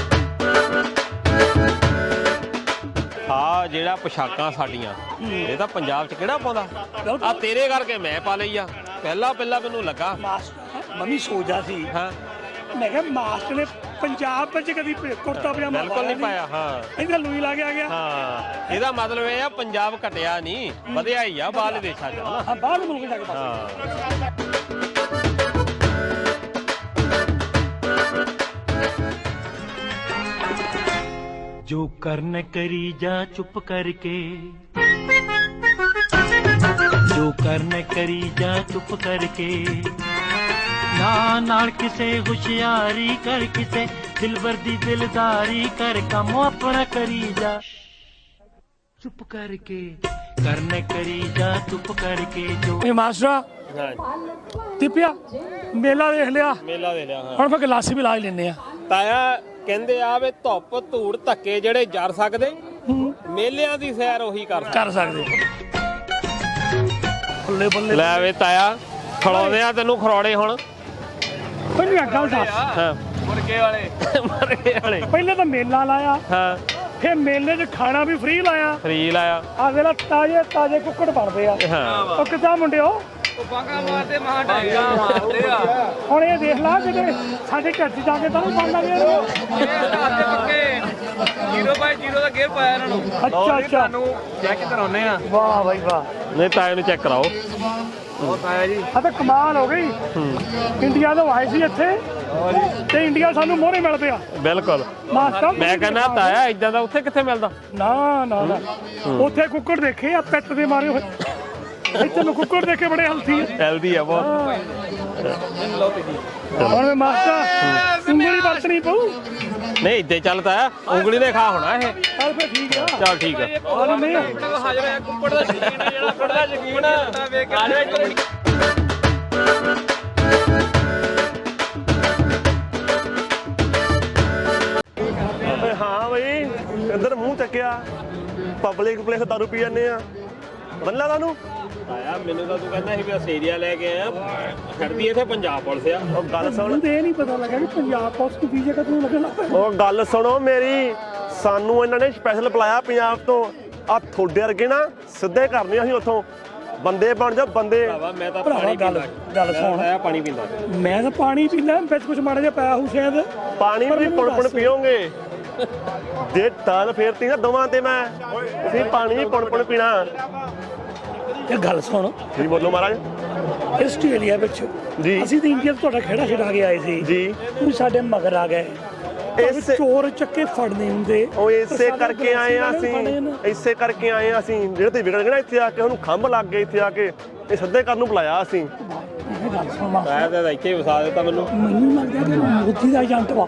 [SPEAKER 3] ਆ ਜਿਹੜਾ ਪੋਸ਼ਾਕਾਂ ਸਾਡੀਆਂ ਇਹ ਤਾਂ ਪੰਜਾਬ 'ਚ ਕਿਹੜਾ ਪਾਉਂਦਾ ਆ ਤੇਰੇ ਕਰਕੇ ਮੈਂ ਪਾ ਲਈ ਆ ਪਹਿਲਾਂ ਪਹਿਲਾਂ ਮੈਨੂੰ ਲੱਗਾ
[SPEAKER 2] ਮਾਸਟਰ ਮੰਮੀ ਸੋਚਦਾ ਸੀ
[SPEAKER 3] ਹਾਂ
[SPEAKER 2] ਮੈਂ ਕਿਹਾ ਮਾਸਟਰ ਨੇ ਪੰਜਾਬ ਵਿੱਚ ਕਦੀ ਪ- ਕੁੜਤਾ ਪਜਾਮਾ
[SPEAKER 3] ਬਿਲਕੁਲ ਨਹੀਂ ਪਾਇਆ ਹਾਂ
[SPEAKER 2] ਇਹਦਾ ਲੂਈ ਲਾ ਕੇ ਆ ਗਿਆ
[SPEAKER 3] ਹਾਂ ਇਹਦਾ ਮਤਲਬ ਇਹ ਆ ਪੰਜਾਬ ਘਟਿਆ ਨਹੀਂ ਵਧਿਆ ਹੀ ਆ ਬਾਹਰਲੇ ਦੇਸ਼ਾਂ 'ਚ ਹਨਾ
[SPEAKER 2] ਹਾਂ ਬਾਹਰ ਮੁਲਕ ਜਾ ਕੇ ਬਸ
[SPEAKER 3] ਹਾਂ
[SPEAKER 9] जो करने करी जा चुप करके जो करने करी जा चुप करके ना नाल किसे होशियारी कर किसे दिलबर दी दिलदारी कर काम अपना करी जा चुप करके करने करी जा चुप करके जो
[SPEAKER 2] ਇਹ ਮਾਸਟਰ
[SPEAKER 3] ਹਾਂ
[SPEAKER 2] ਤਿਪਿਆ ਮੇਲਾ ਦੇਖ ਲਿਆ
[SPEAKER 3] ਮੇਲਾ ਦੇ ਲਿਆ ਹਾਂ
[SPEAKER 2] ਹੁਣ ਫਿਰ ਗਲਾਸੀ ਵੀ ਲਾ ਹੀ ਲੈਨੇ ਆ
[SPEAKER 3] ਤਾਇਆ ਕਹਿੰਦੇ ਆ ਵੇ ਧੁੱਪ ਧੂੜ ਧੱਕੇ ਜਿਹੜੇ ਜਰ ਸਕਦੇ ਮੇਲਿਆਂ ਦੀ ਸੈਰ ਉਹੀ ਕਰ ਸਕਦੇ
[SPEAKER 2] ਕਰ ਸਕਦੇ ਬੱਲੇ ਬੱਲੇ
[SPEAKER 3] ਲੈ ਵੇ ਤਾਇਆ ਖੜਾਉਂਦੇ ਆ ਤੈਨੂੰ ਖਰੋੜੇ ਹੁਣ
[SPEAKER 2] ਪਹਿਲੀ ਗੱਲ ਦੱਸ
[SPEAKER 3] ਹਾਂ ਮੁਰਗੇ ਵਾਲੇ ਮੁਰਗੇ ਵਾਲੇ
[SPEAKER 2] ਪਹਿਲੇ ਤਾਂ ਮੇਲਾ ਲਾਇਆ
[SPEAKER 3] ਹਾਂ
[SPEAKER 2] ਇੱਥੇ ਮੇਲੇ 'ਚ ਖਾਣਾ ਵੀ ਫ੍ਰੀ ਲਾਇਆ
[SPEAKER 3] ਫ੍ਰੀ ਲਾਇਆ
[SPEAKER 2] ਆ ਵੇਲਾ ਤਾਜ਼ੇ ਤਾਜ਼ੇ ਕੁੱਕੜ ਬਣਦੇ ਆ
[SPEAKER 3] ਹਾਂ
[SPEAKER 2] ਉਹ ਕਿੱਦਾਂ ਮੁੰਡਿਓ
[SPEAKER 10] ਬਾਗਾ ਮਾਰਦੇ ਮਾਂ ਢਾਈਆਂ ਮਾਰਦੇ ਆ
[SPEAKER 2] ਹੁਣ ਇਹ ਦੇਖ ਲਾ ਕਿਤੇ ਸਾਡੇ ਘਰ 'ਚ ਜਾ ਕੇ ਤਾਂ ਨਹੀਂ ਬਣਨਾ ਗਿਆ
[SPEAKER 10] ਇਹ ਪੱਕੇ ਜ਼ੀਰੋ ਬਾਈ ਜ਼ੀਰੋ ਦਾ ਗੇਅਰ ਪਾਇਆ ਇਹਨਾਂ ਨੂੰ
[SPEAKER 2] ਅੱਛਾ ਅੱਛਾ
[SPEAKER 10] ਤੁਹਾਨੂੰ ਚੈੱਕ ਕਰਾਉਨੇ ਆ
[SPEAKER 2] ਵਾਹ ਬਾਈ ਵਾਹ
[SPEAKER 3] ਨਹੀਂ ਤਾਏ ਨੂੰ ਚੈੱਕ ਕਰਾਓ
[SPEAKER 10] ਬਹੁਤ ਆਇਆ ਜੀ
[SPEAKER 2] ਆ ਤਾਂ ਕਮਾਲ ਹੋ ਗਈ ਇੰਡੀਆ ਤੋਂ ਆਏ ਸੀ ਇੱਥੇ ਤੇ ਇੰਡੀਆ ਸਾਨੂੰ ਮੋਹਰੇ ਮਿਲ ਪਿਆ
[SPEAKER 3] ਬਿਲਕੁਲ
[SPEAKER 2] ਮਾਸਟਰ
[SPEAKER 3] ਮੈਂ ਕਹਿੰਦਾ ਤਾਇਆ ਇਦਾਂ ਦਾ ਉੱਥੇ ਕਿੱਥੇ ਮਿਲਦਾ
[SPEAKER 2] ਨਾ ਨਾ ਨਾ ਉੱਥੇ ਕੁੱਕੜ ਦੇਖੇ ਆ ਪਿੱਟ ਦੇ ਮਾਰੇ ਹੋਏ ਇੱਥੇ ਨੂੰ ਕੁੱਕੜ ਦੇਖੇ ਬੜੇ ਹਲਥੀ ਆ
[SPEAKER 3] ਹੈਲਦੀ ਆ ਬਹੁਤ
[SPEAKER 2] ਹੁਣ ਮੈਂ ਮਾਸਟਰ ਉਂਗਲੀ ਵਰਤਣੀ ਪਊ
[SPEAKER 3] ਨਹੀਂ ਇੱਦਾਂ ਚੱਲਦਾ ਆ ਉਂਗਲੀ ਦੇ ਖਾ ਹੋਣਾ ਇਹ
[SPEAKER 2] ਚੱਲ ਫਿਰ ਠੀਕ ਆ
[SPEAKER 3] ਚੱਲ ਠੀਕ ਆ
[SPEAKER 2] ਹਾਂ ਨਹੀਂ
[SPEAKER 10] ਹਾਜ਼ਰ ਹੈ ਕੁੱਪੜ ਦਾ ਸ਼ਕੀਨ ਆ ਜਿਹੜਾ ਕੁੱਪੜ ਦਾ ਸ਼ਕੀਨ ਆ ਵੇਖ ਕੇ
[SPEAKER 4] ਹਾਂ ਬਈ ਇੱਧਰ ਮੂੰਹ ਚੱਕਿਆ ਪਬਲਿਕ ਪਲੇਸ ਦਾਰੂ ਪੀ ਜਾਂਦੇ ਆ ਬੰਨਾ ਤੁਹਾਨੂੰ
[SPEAKER 3] ਆਇਆ ਮੈਨੂੰ ਤਾਂ ਤੂੰ ਕਹਿੰਦਾ ਸੀ ਵੀ ਆਸਟ੍ਰੇਲੀਆ ਲੈ ਕੇ ਆਇਆ ਖੜਦੀ ਇੱਥੇ ਪੰਜਾਬ ਪੁਲਿਸ ਆ
[SPEAKER 4] ਉਹ ਗੱਲ ਸੁਣ
[SPEAKER 2] ਮੈਨੂੰ ਤੇ ਇਹ ਨਹੀਂ ਪਤਾ ਲੱਗਾ ਕਿ ਪੰਜਾਬ ਪੁਲਿਸ ਨੂੰ ਵੀਜ਼ਾ ਕਦੋਂ ਲੱਗਣਾ
[SPEAKER 4] ਉਹ ਗੱਲ ਸੁਣੋ ਮੇਰੀ ਸਾਨੂੰ ਇਹਨਾਂ ਨੇ ਸਪੈਸ਼ਲ ਬੁਲਾਇਆ ਪੰਜਾਬ ਤੋਂ ਆ ਥੋੜੇ ਵਰਗੇ ਨਾ ਸਿੱਧੇ ਕਰਨੇ ਅਸੀਂ ਉੱਥੋਂ ਬੰਦੇ ਬਣ ਜਾ ਬੰਦੇ
[SPEAKER 3] ਭਰਾਵਾ ਮੈਂ ਤਾਂ
[SPEAKER 2] ਭਰਾਵਾ
[SPEAKER 3] ਪਾਣੀ
[SPEAKER 2] ਗੱਲ ਗੱਲ ਸੁਣ
[SPEAKER 3] ਆਇਆ ਪਾਣੀ ਪੀਂਦਾ
[SPEAKER 2] ਮੈਂ ਤਾਂ ਪਾਣੀ ਪੀਂਦਾ ਵਿੱਚ ਕੁਝ ਮਾੜਾ ਜਿਹਾ ਪਾਇਆ ਹੋਊ ਸ਼ਾਇਦ
[SPEAKER 4] ਪਾਣੀ ਵੀ ਪੁਣ ਪੁਣ ਪੀਓਗੇ ਜੇ ਤਾਲ ਫੇਰਤੀ ਨਾ ਦੋਵਾਂ ਤੇ ਮੈਂ ਤੁਸੀਂ ਪਾਣੀ ਵੀ ਪੁਣ ਪੁਣ ਪੀਣਾ
[SPEAKER 2] ਇਹ ਗੱਲ ਸੁਣ
[SPEAKER 4] ਜੀ ਬੋਲੋ ਮਹਾਰਾਜ
[SPEAKER 2] ਆਸਟ੍ਰੇਲੀਆ ਵਿੱਚ
[SPEAKER 4] ਜੀ।
[SPEAKER 2] ਅਸੀਂ ਤਾਂ ਇੰਡੀਆ ਤੋਂ ਤੁਹਾਡਾ ਖੇੜਾ ਛਡਾ ਕੇ ਆਏ ਸੀ
[SPEAKER 4] ਜੀ
[SPEAKER 2] ਤੁਸੀਂ ਸਾਡੇ ਮਗਰ ਆ ਗਏ
[SPEAKER 4] ਇਸ
[SPEAKER 2] ਚੋਰ ਚੱਕੇ ਫੜਨੇ ਹੁੰਦੇ
[SPEAKER 4] ਉਹ ਇਸੇ ਕਰਕੇ ਆਏ ਆ ਅਸੀਂ ਇਸੇ ਕਰਕੇ ਆਏ ਆ ਅਸੀਂ ਜਿਹੜੇ ਤੇ ਵਿਗੜ ਗਏ ਨਾ ਇੱਥੇ ਆ ਕੇ ਉਹਨੂੰ ਖੰਭ ਲੱਗ ਗਏ ਇੱਥੇ ਆ ਕੇ ਇਹ ਸਿੱਧੇ ਕਰਨ ਨੂੰ ਬੁਲਾਇਆ ਅਸੀਂ
[SPEAKER 2] ਇਹ ਗੱਲ ਸੁਣ ਮਾਸਟਰ,
[SPEAKER 3] ਮੈਂ ਤਾਂ ਇੱਥੇ ਹੀ ਵਸਾ ਦਿੱਤਾ ਮੈਨੂੰ
[SPEAKER 2] ਮੈਨੂੰ ਲੱਗਦਾ ਕਿ ਮੋਦੀ ਦਾ ਏਜੰਟ ਵਾ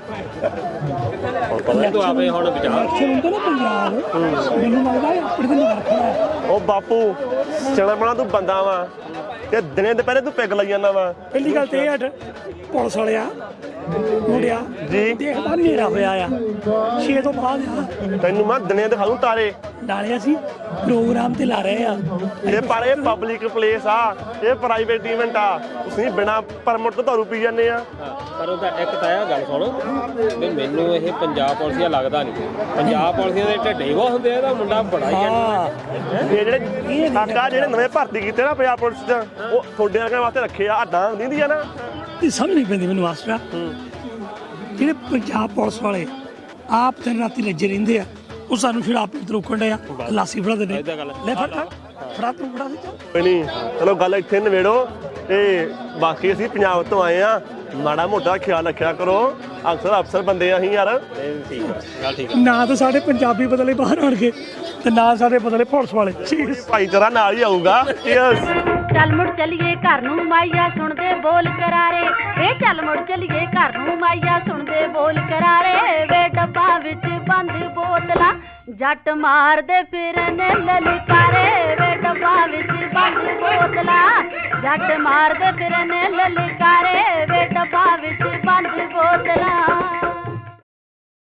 [SPEAKER 3] ਹੁਣ ਪਤਾ ਤੂੰ ਆਪੇ ਹੁਣ ਵਿਚਾਰ
[SPEAKER 2] ਇਲੈਕਸ਼ਨ ਹੁੰਦਾ ਨਾ ਪੰਜਾਬ ਮੈਨੂੰ ਲੱਗਦਾ ਇਹ ਆਪਣੇ ਤੇ ਨਿਗਰ ਰੱਖਣਾ
[SPEAKER 4] ਉਹ ਬਾਪੂ ਚਣਾ ਬਣਾ ਤੂੰ ਬੰਦਾ ਵਾ ਤੇ ਦਿਨੇ ਦੁਪਹਿਰੇ ਤੂੰ ਪਿੱਗ ਲਈ ਜਾਂਦਾ ਵਾ
[SPEAKER 2] ਪਹਿਲੀ ਗੱਲ ਤੇ ਇਹ ਅੱਡ ਪੁਲਿਸ ਵਾਲਿਆ ਮੁੰਡਿਆ
[SPEAKER 4] ਜੀ।
[SPEAKER 2] ਦੇਖਦਾ ਹਨੇਰਾ ਹੋਇਆ ਆ ਛੇ ਤੋਂ ਬਾਅਦ ਆ
[SPEAKER 4] ਤੈਨੂੰ ਮੈਂ ਦਿਨੇ ਦਿਖਾ ਦੂੰ ਤਾਰੇ
[SPEAKER 2] ਨਾਲੇ ਅਸੀਂ ਪ੍ਰੋਗਰਾਮ ਤੇ ਲਾ ਰਹੇ ਆ
[SPEAKER 4] ਇਹ ਪਰ ਇਹ ਪਬਲਿਕ ਪਲੇਸ ਆ ਇਹ ਪ੍ਰਾਈਵੇਟ ਇਵੈਂਟ ਆ ਤੁਸੀਂ ਬਿਨਾ ਪਰਮਿਟ ਤੋਂ ਦਾਰੂ ਪੀ ਜਾਂਦੇ ਆ
[SPEAKER 3] ਪਰ ਉਹਦਾ ਇੱਕ ਤਾਂ ਇਹ ਗੱਲ ਸੁਣ ਵੀ ਮੈਨੂੰ ਇਹ ਪੰਜਾਬ ਪੁਲਿਸੀਆ ਲੱਗਦਾ ਨਹੀਂ ਪੰਜਾਬ ਪੁਲਿਸੀਆਂ ਦੇ ਢੱਡੇ ਬਹੁਤ ਹੁੰਦੇ ਆ ਇਹਦਾ ਮੁੰਡਾ ਬੜਾ ਹੀ
[SPEAKER 2] ਹਾਂ
[SPEAKER 4] ਇਹ ਜਿਹੜੇ ਸਾਡਾ ਜਿਹੜੇ ਨਵੇਂ ਭਰਤੀ ਕੀਤੇ ਨਾ ਪੰਜਾਬ ਪੁਲਿਸ ਚ ਉਹ ਤੁਹਾਡੇ ਵਰਗਿਆਂ ਵਾਸਤੇ ਰੱਖੇ ਆ ਅੱਡਾਂ ਹੁੰਦੀ ਆ ਨਾ
[SPEAKER 2] ਇਹ ਸਮਝ ਨਹੀਂ ਪੈਂਦੀ ਮੈਨੂੰ ਮਾਸਟਰ ਜਿਹੜੇ ਪੰਜਾਬ ਪੁਲਿਸ ਵਾਲੇ ਆਪ ਦਿਨ ਰਾਤੀ ਲੱਜੇ ਰਹਿੰਦੇ ਆ ਉਹ ਸਾਨੂੰ ਸ਼ਰਾਬ ਪੀਣ ਤੋਂ ਰੋਕਣ ਡਿਆ ਲਾਸੀ ਫੜਾ ਦੇ ਨੇ
[SPEAKER 3] ਏਦਾਂ ਗੱਲ।
[SPEAKER 2] ਲੈ ਫੜ ਫੜਾ ਤੂੰ ਫੜਾ ਦੇ ਚੱਲ
[SPEAKER 4] ਕੋਈ ਨਹੀਂ ਚਲੋ ਗੱਲ ਇੱਥੇ ਨਵੇੜੋ ਤੇ ਬਾਕੀ ਅਸੀਂ ਪੰਜਾਬ ਤੋਂ ਆਏ ਆ ਮਾੜਾ ਮੋਟਾ ਖਿਆਲ ਰੱਖਿਆ ਕਰੋ ਅਕਸਰ ਅਫਸਰ ਬੰਦੇ ਆ ਅਸੀਂ ਯਾਰ
[SPEAKER 3] ਠੀਕ ਆ ਗੱਲ ਠੀਕ
[SPEAKER 2] ਨਾ ਤਾਂ ਸਾਡੇ ਪੰਜਾਬੀ ਬਦਲੇ ਬਾਹਰ ਆਣਗੇ ਤੇ ਨਾ ਸਾਡੇ ਬਦਲੇ ਪੁਲਿਸ ਵਾਲੇ
[SPEAKER 4] ਭਾਈਚਾਰਾ ਨਾਲ ਹੀ ਆਊਗਾ ਚੀਅਰਸ
[SPEAKER 1] ਚੱਲ ਮੁੜ ਚਲੀਏ ਘਰ ਨੂੰ ਮਾਈਆ ਸੁਣਦੇ ਬੋਲ ਕਰਾਰੇ ਵੇ ਚੱਲ ਮੁੜ ਚਲੀਏ ਘਰ ਨੂੰ ਮਾਈਆ ਸੁਣਦੇ ਬੋਲ ਕਰਾਰੇ ਵੇ ਡੱਬਾ ਵਿੱਚ ਬੰਦ ਬੋਤਲਾਂ ਜੱਟ ਮਾਰਦੇ ਫਿਰਨੇ ਲਲਕਾਰੇ ਵੇ ਡੱਬਾ ਵਿੱਚ ਬੰਦ ਬੋਤਲਾਂ ਜੱਟ ਮਾਰਦੇ ਫਿਰਨੇ ਲਲਕਾਰੇ ਵੇ ਡੱਬਾ ਵਿੱਚ ਬੰਦ ਬੋਤਲਾਂ